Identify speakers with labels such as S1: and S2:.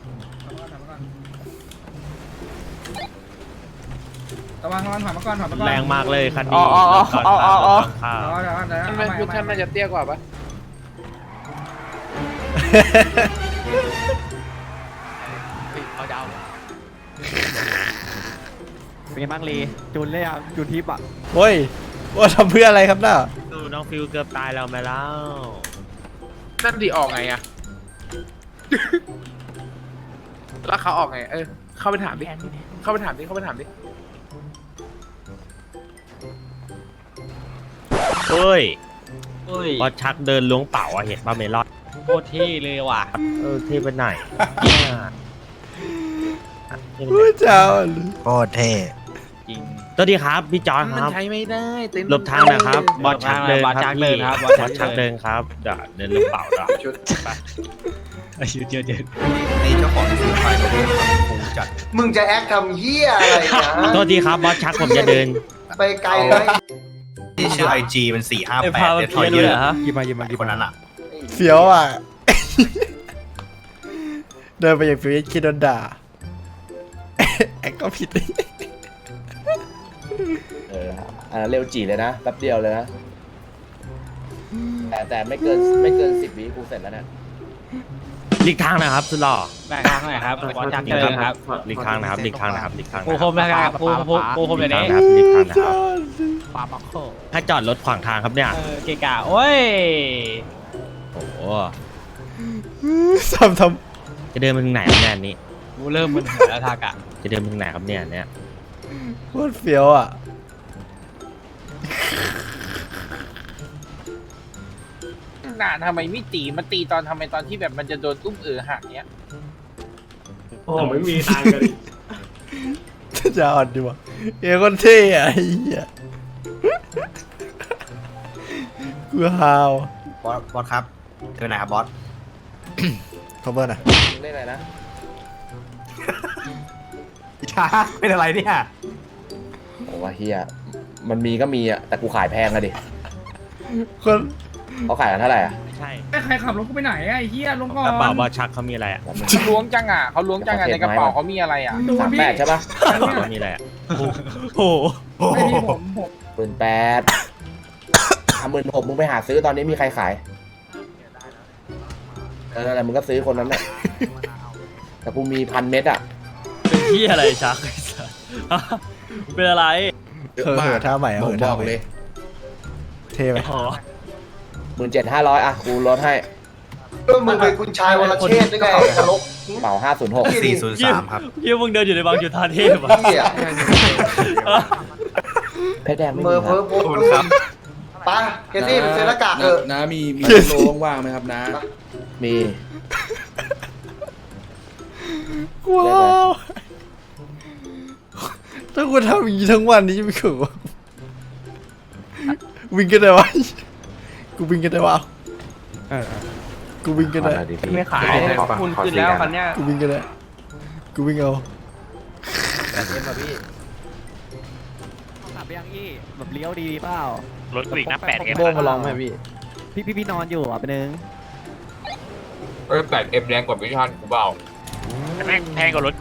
S1: ระวังถอยมาก่อนถอยมาก่อน
S2: แรงมากเลยคัน
S3: อ๋
S2: นี้
S3: อ
S1: เดี๋ยว
S3: มันพุทธน่าจะเตี้ยกว่าปะ
S2: เอาดาว
S4: เป็นไงบ้างลีจูนเลยอ่ะจูนทิปอ่ะ
S5: โอ้ยว่าทำเพื่ออะไรครับน่ะ
S2: ดูน้องฟิวเกือบตายแล้วไหมแล้ว
S3: นั่นดีออกไงอะแล้วเขาออกไงเข้าไปถามดิเข้าไปถามดิ
S2: เฮ้ยบอสชักเดินล้วงเป๋าอะเห็นป่ะเมลอน
S4: โคตรเท่เลยว่ะ
S2: เท่ไปไหน
S5: ผู้เจ้า
S6: โคตรเท่
S4: จริง
S2: สวัสดีครับพี่จอนค
S3: มัน
S2: รับ
S3: ใช้ไม่ได้เต็นท์
S2: หลบทางนะครับ บอสชักเดิน
S4: บอสชักเดินครับ
S2: บอสชักเดินครับเดี๋ยวเดินล้วงเป๋าเดี๋ยว
S4: อายุเยอะ
S6: นี่เจ้าของซื้อไฟรถคงจัด
S7: มึงจะแอคทำเหี้ยอะไรนะ
S2: โทษทีครับบอสชักผมจะเดิน
S7: ไปไกลเลย
S6: ที่ชื่อ IG มัน458
S4: พามา
S6: เดท
S4: เพี้ยน
S6: เย
S4: เลย
S6: อะ
S4: เหรอฮะ
S5: หยิบมา
S6: คนนั้นอ่ะ
S5: เฟี้ยวอ่ะ เดินไปอย่างเฟี้ยวคิดโดนด่าแอคก็ผิด
S8: เร็วจีเลยนะแป๊บเดียวเลยนะแต่ไม่เกิน10 วิกูเสร็จแล้วเนี่ย
S2: หลีกทางนะครับสุดหล่อ
S4: แบกทางหน่อยครับบอสชักเดินครับ
S2: หลีกทางนะครับหลีกทางนะครับหลีกทาง
S4: ปูคมนะครับปูคม
S2: หลี
S4: เดี๋
S2: ก
S4: ยว
S2: ทาง
S4: นี้
S2: นะครับหลีกทางนะครับ
S4: ปาปักโค
S2: ถ้าจอดรถขวางทางครับเนี่ย
S4: เกะกะโอ้ย
S2: โอ้โห
S5: ทำ
S2: จะเดินไปถึงไหนครับเนี่ยอันนี้
S4: กูเริ่มมึนหัวแล้วทากะ
S2: จะเดินไปถึงไหนครับเนี่ยเนี่ย
S5: โคตรเฟี้ยวอ่ะ
S3: น่าทำไมไม่ตีมันตีตอนที่แบบมันจะโดนตุ้มหักเนี้ย
S1: โอ้ไม่มีทางกัน
S5: จะอ่อนดีวะเอ้คนเท่อะไอ้เหี้ยกูฮาว
S6: บอสครับเจอไหนครับบอส
S5: คอมเบอร์น่ะ
S8: มึงเล่นอะไรนะ
S6: ช้าเป็นอะไรเนี่ย
S8: โอ้ว่าเฮียมันมีก็มีอ่ะแต่กูขายแพงอะดิ
S5: คน
S8: เขาขายกันเท่าไหร่อ่ะ
S2: ไม่ใช่
S1: ใครขับรถกูไปไหนไอ้เหี้ยลงก่อน
S2: กระเป๋าบอสชักเขามีอะไรอ่ะ
S3: เขาล้วงจังในกระเป๋าเขามีอะไรอ่ะ
S1: ดูพี่
S8: 38ใช่ปะ
S2: กระเป๋าเขามีอะไรอ่ะโอ้โห
S1: ไม่พี่ผม
S8: 18,000 16,000มึงไปหาซื้อตอนนี้มีใครขายนั่นแหละมึงก็ซื้อคนนั้นแหละแต่กูมี1,000 เม็ดอ่ะ
S4: เป็นที่อะไรชักไอ้สัสเป็นอะไร
S5: ท่าใหม่
S8: ผมบอกเลย
S5: เท่ไหม
S4: อ๋อ
S8: 17,500อ่ะกูลดให้
S7: มึงเป็นคุณชายวรเชษฐ์ได้ไงตลก
S8: เป่า506
S6: 403 ครับ
S4: ยี่มึงเดินอยู่ในบางจุดทาเทพอ่ะ
S7: เหี้ย
S8: เพชรแดงไม่
S7: เมอ
S8: มี
S7: ร์
S8: ค
S7: เพ้
S8: รั
S7: อบ โป๊ะไปเกตตี้เป็นเซนหน้ากากเถอะ
S9: นะมีโลว่างๆไหมครับนะ
S8: มี
S5: ว้าวถ้ากูทำอย่างนี้ทั้งวันนี้จะไม่เขินวะวิ่งกันได้วะกูวิ่งกันได้วะกูวิ่งกันได้
S3: ไม่ขายคุณขึ้นแล้วคันเนี้ย
S5: กูวิ่งกันได้กูวิ่งเอา
S4: ขับยังอี้แบบเลี้ยวดีเปล่าร
S2: ถกรีกนะ8
S4: โบ้มาลองไหมพี่นอนอยู่อ่ะเป็นนึง
S3: 8M แรงกว่าวิชันกูเปล่า
S2: แม่งแพงกว่ารถ